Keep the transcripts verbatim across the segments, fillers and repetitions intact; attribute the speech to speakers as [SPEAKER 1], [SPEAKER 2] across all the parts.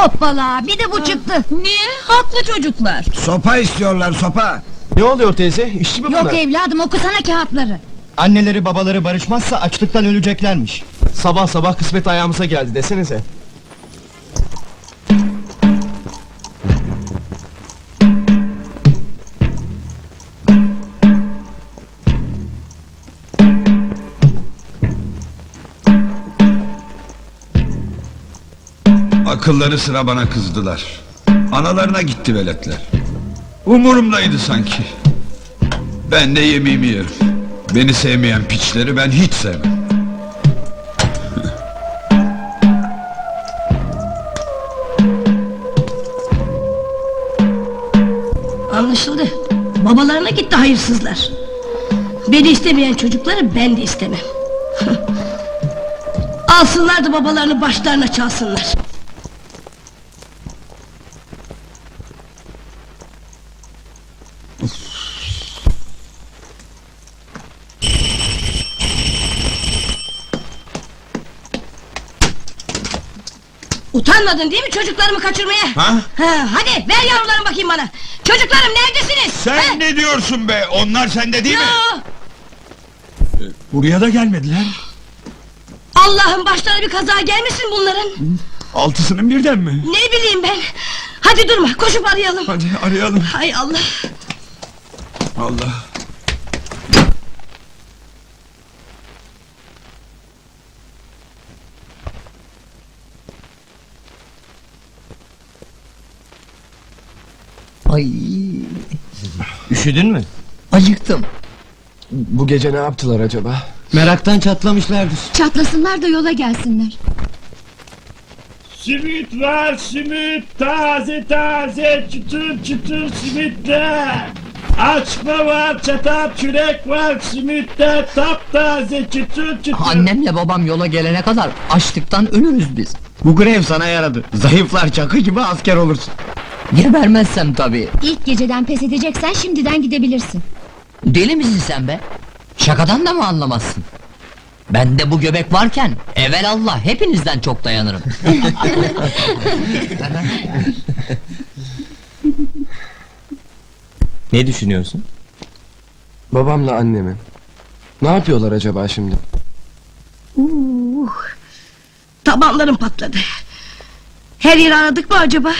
[SPEAKER 1] Hoppala, bir de bu çıktı.
[SPEAKER 2] Niye? Haklı çocuklar.
[SPEAKER 3] Sopa istiyorlar, sopa.
[SPEAKER 4] Ne oluyor teyze? İşçi mi bunlar?
[SPEAKER 1] Yok evladım, okusana kağıtları.
[SPEAKER 5] Anneleri babaları barışmazsa açlıktan öleceklermiş.
[SPEAKER 4] Sabah sabah kısmet ayağımıza geldi desenize.
[SPEAKER 3] Akılları sıra bana kızdılar. Analarına gitti veletler. Umurumdaydı sanki. Ben de yemeğimi yerim. Beni sevmeyen piçleri ben hiç sevmem.
[SPEAKER 2] Anlaşıldı. Babalarına gitti hayırsızlar. Beni istemeyen çocukları ben de istemem. Alsınlar da babalarını başlarına çalsınlar. Utanmadın değil mi çocuklarımı kaçırmaya?
[SPEAKER 3] Ha?
[SPEAKER 2] Ha, hadi ver yavrularım bakayım bana. Çocuklarım neredesiniz?
[SPEAKER 3] Sen
[SPEAKER 2] Ha?
[SPEAKER 3] ne diyorsun be? Onlar sende değil mi?
[SPEAKER 2] Yo!
[SPEAKER 3] Buraya da gelmediler.
[SPEAKER 2] Allah'ım başlarına bir kaza gelmesin bunların.
[SPEAKER 3] Altısının birden mi?
[SPEAKER 2] Ne bileyim ben. Hadi durma, koşup arayalım.
[SPEAKER 3] Hadi arayalım.
[SPEAKER 2] Hay Allah.
[SPEAKER 3] Allah.
[SPEAKER 5] Ay. Üşüdün mü?
[SPEAKER 6] Acıktım.
[SPEAKER 4] Bu gece ne yaptılar acaba?
[SPEAKER 5] Meraktan çatlamışlardır.
[SPEAKER 1] Çatlasınlar da yola gelsinler.
[SPEAKER 7] Simit var simit, taze taze çıtır çıtır simitler. Açma var, çatal çürek var, simitler taptaze çıtır çıtır.
[SPEAKER 6] Annemle babam yola gelene kadar açlıktan ölürüz biz.
[SPEAKER 5] Bu grev sana yaradı. Zayıflar çakı gibi asker olursun.
[SPEAKER 6] Gebermezsem tabii.
[SPEAKER 1] İlk geceden pes edeceksen şimdiden gidebilirsin.
[SPEAKER 6] Deli misin sen be? Şakadan da mı anlamazsın? Bende bu göbek varken evelallah hepinizden çok dayanırım.
[SPEAKER 5] Ne düşünüyorsun?
[SPEAKER 4] Babamla annemi. Ne yapıyorlar acaba şimdi?
[SPEAKER 2] Uh, tabanlarım patladı. Her yeri aradık mı acaba?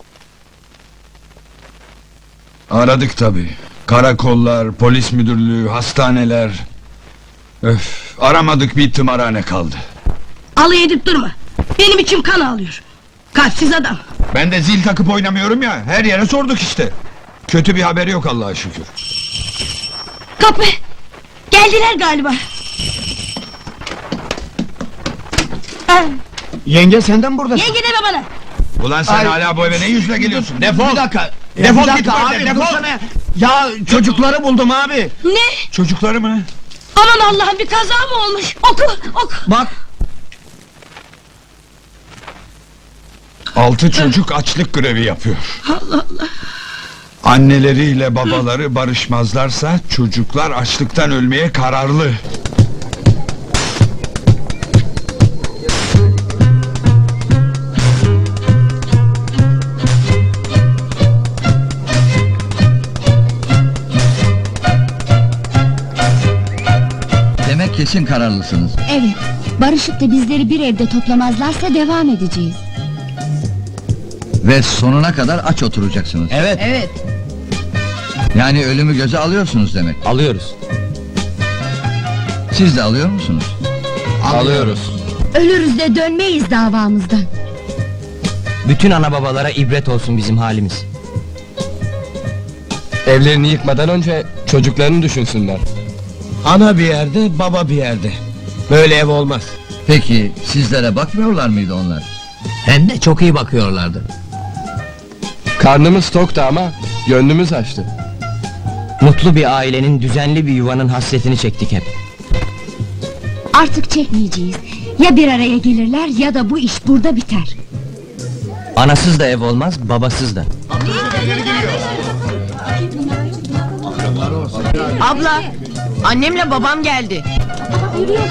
[SPEAKER 3] Aradık tabii. Karakollar, polis müdürlüğü, hastaneler. Öf, aramadık bir tımarhane kaldı.
[SPEAKER 2] Alay edip durma. Benim içim kan ağlıyor. Kalpsiz adam.
[SPEAKER 3] Ben de zil takıp oynamıyorum ya, her yere sorduk işte. Kötü bir haberi yok Allah'a şükür.
[SPEAKER 2] Kapı. Geldiler galiba. Ah,
[SPEAKER 5] Yenge senden burada.
[SPEAKER 2] yenge deme bana.
[SPEAKER 3] Ulan sen
[SPEAKER 5] Ay.
[SPEAKER 3] hala bu eve ne yüzle geliyorsun? Defol!
[SPEAKER 5] Bir dakika.
[SPEAKER 3] Defol
[SPEAKER 5] bir
[SPEAKER 3] git
[SPEAKER 5] dakika
[SPEAKER 3] buradan,
[SPEAKER 5] abi,
[SPEAKER 3] defol!
[SPEAKER 5] dursana. Ya çocukları buldum abi.
[SPEAKER 2] Ne?
[SPEAKER 3] Çocukları mı?
[SPEAKER 2] Aman Allah'ım bir kaza mı olmuş? Oku oku.
[SPEAKER 5] Bak.
[SPEAKER 3] Altı çocuk açlık grevi yapıyor.
[SPEAKER 2] Allah Allah.
[SPEAKER 3] Anneleriyle babaları barışmazlarsa çocuklar açlıktan ölmeye kararlı.
[SPEAKER 6] Demek kesin kararlısınız.
[SPEAKER 1] Evet, barışıp da bizleri bir evde toplamazlarsa devam edeceğiz.
[SPEAKER 6] Ve sonuna kadar aç oturacaksınız.
[SPEAKER 5] Evet.
[SPEAKER 1] Evet.
[SPEAKER 6] Yani ölümü göze alıyorsunuz demek.
[SPEAKER 5] Alıyoruz.
[SPEAKER 6] Siz de alıyor musunuz?
[SPEAKER 5] Alıyoruz.
[SPEAKER 1] Ölürüz de dönmeyiz davamızdan.
[SPEAKER 5] Bütün ana babalara ibret olsun bizim halimiz.
[SPEAKER 4] Evlerini yıkmadan önce çocuklarını düşünsünler.
[SPEAKER 5] Ana bir yerde, baba bir yerde. Böyle ev olmaz.
[SPEAKER 6] Peki sizlere bakmıyorlar mıydı onlar?
[SPEAKER 5] Hem de çok iyi bakıyorlardı.
[SPEAKER 4] Karnımız toktu ama gönlümüz açtı.
[SPEAKER 5] Mutlu bir ailenin, düzenli bir yuvanın hasretini çektik hep.
[SPEAKER 1] Artık çekmeyeceğiz. Ya bir araya gelirler ya da bu iş burada biter.
[SPEAKER 5] Anasız da ev olmaz, babasız da.
[SPEAKER 2] Abla, annemle babam geldi.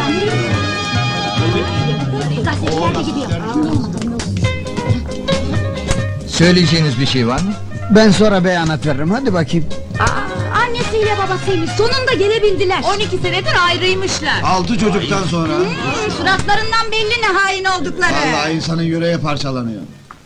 [SPEAKER 1] Gazeteciler de gidiyor.
[SPEAKER 8] Söyleyeceğiniz bir şey var mı? Ben sonra beyanat veririm, hadi bakayım.
[SPEAKER 1] Aa, annesiyle babasıymış, sonunda gelebildiler.
[SPEAKER 9] on iki senedir ayrıymışlar.
[SPEAKER 10] Altı çocuktan sonra.
[SPEAKER 9] Hmm, suratlarından belli ne hain oldukları.
[SPEAKER 10] Vallahi insanın yüreği parçalanıyor.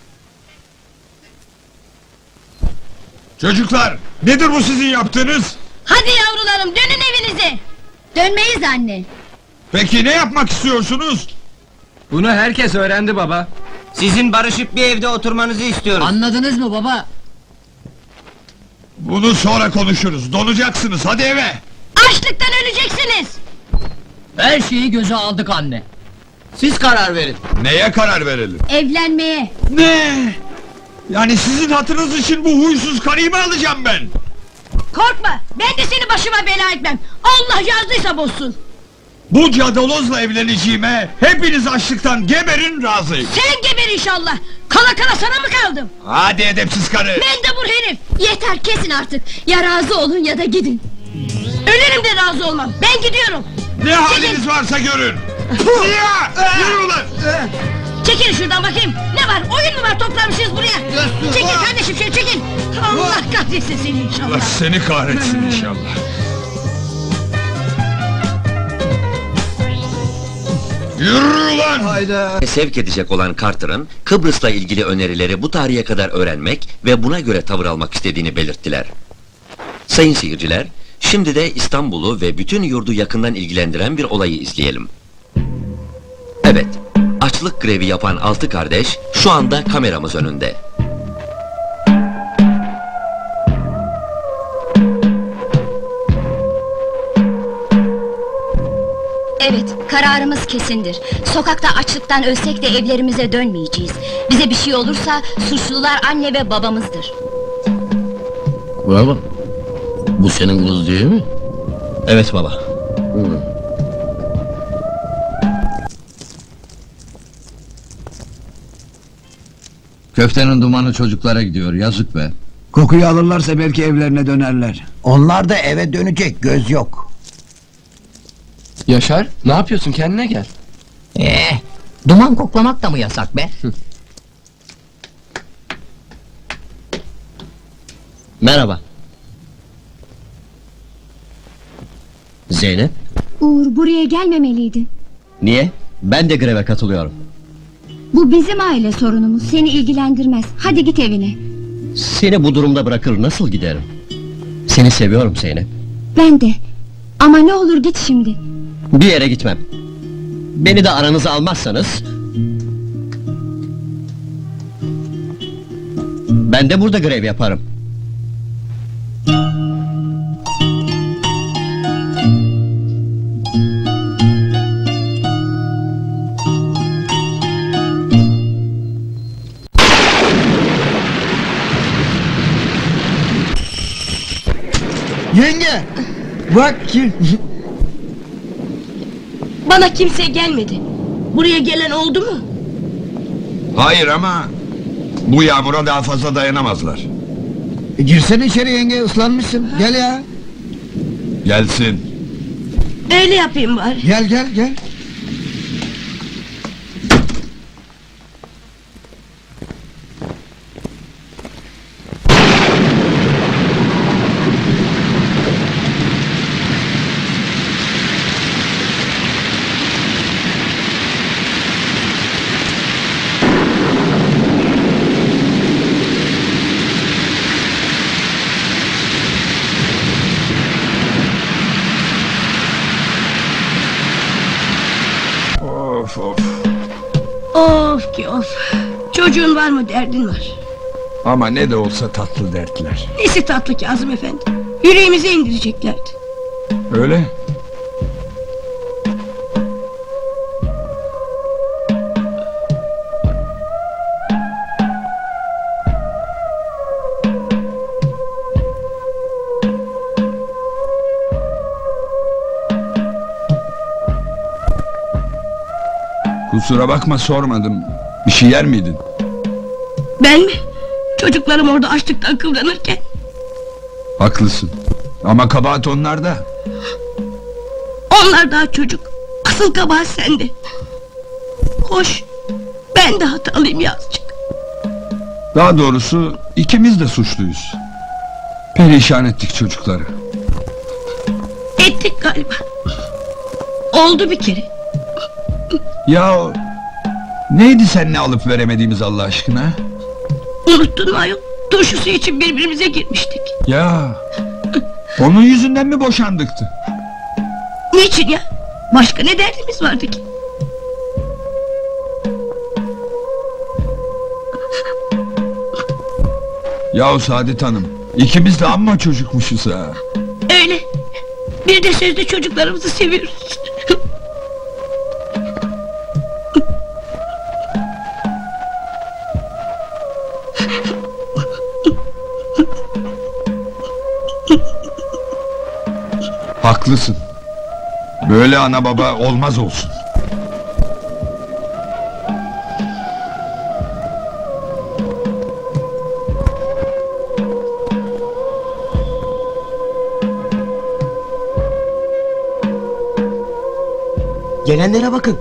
[SPEAKER 3] Çocuklar, nedir bu sizin yaptığınız?
[SPEAKER 2] Hadi yavrularım dönün evinize.
[SPEAKER 1] Dönmeyiz anne.
[SPEAKER 3] Peki ne yapmak istiyorsunuz?
[SPEAKER 4] Bunu herkes öğrendi baba.
[SPEAKER 5] Sizin barışıp bir evde oturmanızı istiyoruz.
[SPEAKER 6] Anladınız mı baba?
[SPEAKER 3] Bunu sonra konuşuruz, donacaksınız, hadi eve!
[SPEAKER 2] Açlıktan öleceksiniz.
[SPEAKER 6] Her şeyi göze aldık anne. Siz karar verin.
[SPEAKER 3] Neye karar verelim?
[SPEAKER 1] Evlenmeye.
[SPEAKER 3] Ne? Yani sizin hatırınız için bu huysuz karıyı mı alacağım ben?
[SPEAKER 2] Korkma ben de seni başıma bela etmem. Allah yazdıysa bozsun.
[SPEAKER 3] Bu cadalozla evleneceğime hepiniz açlıktan geberin razıyım.
[SPEAKER 2] Sen geber inşallah. Kala kala sana mı kaldım?
[SPEAKER 3] Hadi edepsiz karı!
[SPEAKER 2] Mendebur herif.
[SPEAKER 1] Yeter, kesin artık. Ya razı olun ya da gidin.
[SPEAKER 2] Ölürüm de razı olmam. Ben gidiyorum.
[SPEAKER 3] Ne haliniz varsa görün! Ya! Yürü ulan!
[SPEAKER 2] Çekil şuradan bakayım. Ne var? Oyun mu var toplamışız buraya? Çekil kardeşim şöyle çekil. Allah kahretsin seni
[SPEAKER 3] Allah
[SPEAKER 2] inşallah.
[SPEAKER 3] seni kahretsin inşallah. Yürü ulan!
[SPEAKER 10] Hayda.
[SPEAKER 11] Sevk edecek olan Carter'ın Kıbrıs'la ilgili önerileri bu tarihe kadar öğrenmek ve buna göre tavır almak istediğini belirttiler. Sayın seyirciler, şimdi de İstanbul'u ve bütün yurdu yakından ilgilendiren bir olayı izleyelim. Evet, açlık grevi yapan altı kardeş şu anda kameramız önünde.
[SPEAKER 1] Evet, kararımız kesindir. Sokakta açlıktan ölsek de evlerimize dönmeyeceğiz. Bize bir şey olursa suçlular anne ve babamızdır.
[SPEAKER 6] Baba, bu senin kız değil mi? Evet baba.
[SPEAKER 10] Köftenin dumanı çocuklara gidiyor, yazık be. Kokuyu alırlarsa belki evlerine dönerler. Onlar da eve dönecek, göz yok.
[SPEAKER 4] Yaşar, ne yapıyorsun, kendine gel.
[SPEAKER 6] Ee, duman koklamak da mı yasak be? Merhaba. Zeynep,
[SPEAKER 1] Uğur, buraya gelmemeliydin.
[SPEAKER 6] niye? Ben de greve katılıyorum.
[SPEAKER 1] Bu bizim aile sorunumuz, seni ilgilendirmez. Hadi git evine.
[SPEAKER 6] Seni bu durumda bırakır nasıl giderim? Seni seviyorum Zeynep.
[SPEAKER 1] Ben de. Ama ne olur git şimdi.
[SPEAKER 6] Bir yere gitmem. Beni de aranıza almazsanız... ben de burada grev yaparım.
[SPEAKER 10] Yenge! Bak ki...
[SPEAKER 2] Bana kimse gelmedi. Buraya gelen oldu mu?
[SPEAKER 3] Hayır ama... Bu yağmura daha fazla dayanamazlar.
[SPEAKER 10] E, girsene içeri yenge, ıslanmışsın. Gel ya.
[SPEAKER 3] Gelsin.
[SPEAKER 2] Öyle yapayım bari.
[SPEAKER 10] Gel gel gel.
[SPEAKER 3] Of of.
[SPEAKER 2] Of ki of. Çocuğun var mı derdin var.
[SPEAKER 3] Ama ne de olsa tatlı dertler.
[SPEAKER 2] Nesi tatlı Kazım efendi. Yüreğimize indireceklerdi.
[SPEAKER 3] Öyle. Kusura bakma, sormadım. Bir şey yer miydin?
[SPEAKER 2] Ben mi? Çocuklarım orada açlıktan kıvranırken.
[SPEAKER 3] Haklısın. Ama kabahat onlarda.
[SPEAKER 2] Onlar daha çocuk. Asıl kabahat sende. Hoş. Ben de hatalıyım yazıcık.
[SPEAKER 3] Daha doğrusu ikimiz de suçluyuz. Perişan ettik çocukları.
[SPEAKER 2] Ettik galiba. Oldu bir kere.
[SPEAKER 3] Ya neydi seninle alıp veremediğimiz Allah aşkına?
[SPEAKER 2] Unuttun mu ayol? Turşusu için birbirimize girmiştik.
[SPEAKER 3] Ya onun yüzünden mi boşandıktı?
[SPEAKER 2] Niçin ya? Başka ne derdimiz vardı ki?
[SPEAKER 3] Yahu Saadet Hanım, ikimiz de amma çocukmuşuz ha.
[SPEAKER 2] Öyle. Bir de sözde çocuklarımızı seviyoruz.
[SPEAKER 3] Haklısın. Böyle ana baba olmaz olsun.
[SPEAKER 5] Gelenlere bakın.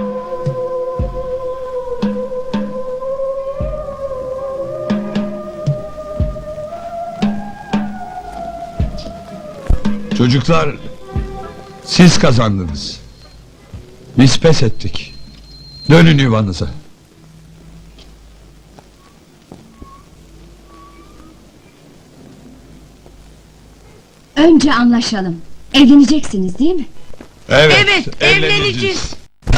[SPEAKER 3] Çocuklar, siz kazandınız. Biz pes ettik. Dönün yuvanıza.
[SPEAKER 1] Önce anlaşalım. Evleneceksiniz değil mi?
[SPEAKER 3] Evet,
[SPEAKER 2] Evet, evleneceğiz.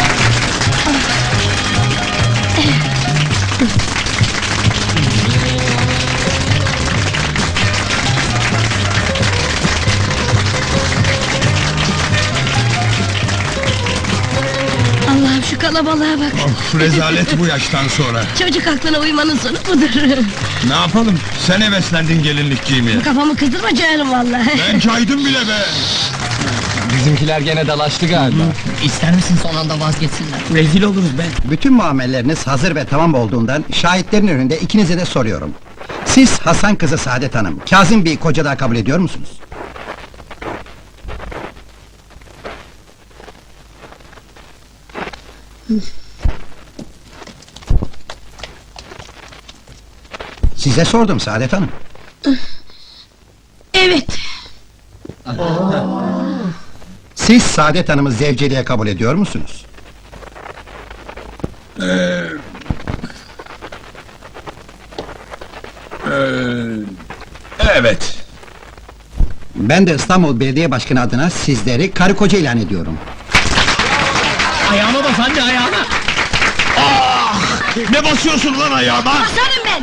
[SPEAKER 2] Allah'ım şu kalabalığa bak.
[SPEAKER 3] Of, rezalet bu yaştan sonra.
[SPEAKER 2] Çocuk aklına uymanın sonu budur.
[SPEAKER 3] Ne yapalım? Sen heveslendin gelinlik giymeye.
[SPEAKER 2] Kafamı kızdırma canım vallahi.
[SPEAKER 3] Ben caydım bile be.
[SPEAKER 4] Bizimkiler gene dalaştı galiba.
[SPEAKER 6] İster misin son anda vazgeçsinler?
[SPEAKER 5] Rezil oluruz be.
[SPEAKER 10] Bütün muamelleriniz hazır ve tamam olduğundan şahitlerin önünde ikinize de soruyorum. Siz Hasan kızı Saadet Hanım, Kazım Bey'i koca daha kabul ediyor musunuz? Size sordum Saadet Hanım.
[SPEAKER 2] Evet.
[SPEAKER 10] Siz Saadet Hanım'ı zevceliğe kabul ediyor musunuz?
[SPEAKER 3] Evet.
[SPEAKER 10] Ben de İstanbul Belediye Başkanı adına sizleri karı koca ilan ediyorum.
[SPEAKER 5] Ayağıma bas anne ayağıma.
[SPEAKER 3] Ne basıyorsun lan ayağıma?
[SPEAKER 2] Basarım ben.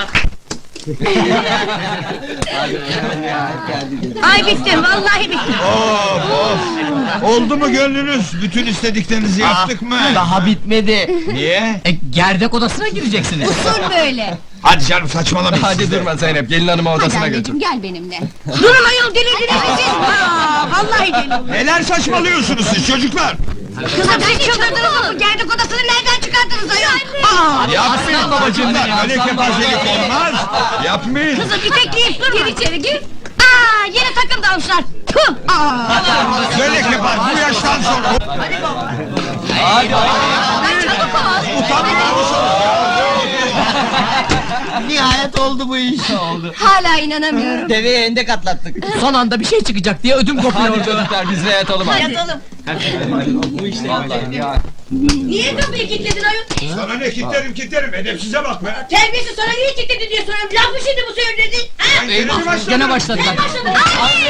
[SPEAKER 2] Ay bitti, vallahi bitti.
[SPEAKER 3] Of of! Oldu mu gönlünüz? Bütün istediklerinizi yaptık mı?
[SPEAKER 6] Daha bitmedi.
[SPEAKER 3] Niye?
[SPEAKER 6] E, gerdek odasına gireceksiniz.
[SPEAKER 1] Usul böyle.
[SPEAKER 3] Hadi canım saçmalamayın.
[SPEAKER 4] Hadi durma Zeynep, gelin hanımı
[SPEAKER 1] Hadi
[SPEAKER 4] odasına götür.
[SPEAKER 1] anneciğim gel benimle.
[SPEAKER 2] Durun ayol, delirdiniz mi siz? Aa, vallahi deli.
[SPEAKER 3] Neler saçmalıyorsunuz siz çocuklar?
[SPEAKER 2] Kızım siz çıldırdınız mı? Bu gerdek odasını nereden çıkardınız ayol? Aa,
[SPEAKER 3] Yapmayın
[SPEAKER 6] babacığım
[SPEAKER 3] babacığım.
[SPEAKER 6] benim,
[SPEAKER 3] Öyle
[SPEAKER 6] aslan
[SPEAKER 3] kepazelik
[SPEAKER 6] babacığım.
[SPEAKER 3] olmaz. Yapmayın.
[SPEAKER 2] kızım itekleyip durma. Gir içeri gir. Aa, yine takım dalmışlar. Tüh! Aa.
[SPEAKER 3] Böyle kepaz bu yaştan sonra.
[SPEAKER 2] Çabuk ol.
[SPEAKER 3] Utanmıyor musunuz?
[SPEAKER 6] Nihayet oldu bu iş. Oldu.
[SPEAKER 1] Hala inanamıyorum.
[SPEAKER 5] Deveye endek atlattık.
[SPEAKER 6] Son anda bir şey çıkacak diye ödüm kopuyordu.
[SPEAKER 4] Hadi çocuklar biz de yatalım artık.
[SPEAKER 2] Yatalım.
[SPEAKER 4] Bu işte vallahi.
[SPEAKER 2] Niye kapıyı kilitledin ayol?
[SPEAKER 3] Sana ne kitlerim kitlerim edepsize bak be.
[SPEAKER 2] Terbiyesiz, sana niye kilitledin diye soruyorum. Laf mı şimdi bu söyledi? Ha?
[SPEAKER 3] Eyvah,
[SPEAKER 6] Gene başladılar.
[SPEAKER 2] Başladı. Ay!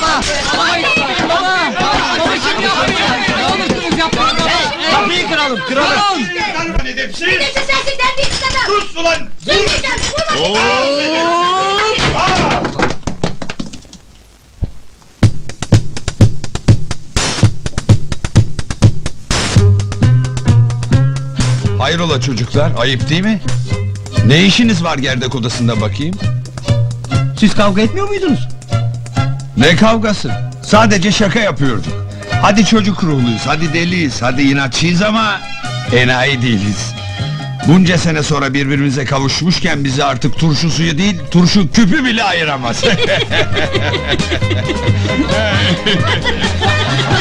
[SPEAKER 6] Baba kim yapmıyor? Ne olursunuz yapmayın baba.
[SPEAKER 5] Kapıyı kıralım kıralım.
[SPEAKER 3] Edepsiz.
[SPEAKER 2] Neyse sensin terbiyesiz adam.
[SPEAKER 3] Sus ulan.
[SPEAKER 2] Söyleyeceğim. Vurma.
[SPEAKER 3] Hayrola çocuklar, ayıp değil mi? Ne işiniz var gerdek odasında bakayım?
[SPEAKER 5] Siz kavga etmiyor muydunuz?
[SPEAKER 3] Ne kavgası? Sadece şaka yapıyorduk. Hadi çocuk ruhluyuz, hadi deliyiz, hadi inatçıyız ama enayi değiliz. Bunca sene sonra birbirimize kavuşmuşken bizi artık turşu suyu değil, turşu küpü bile ayıramaz.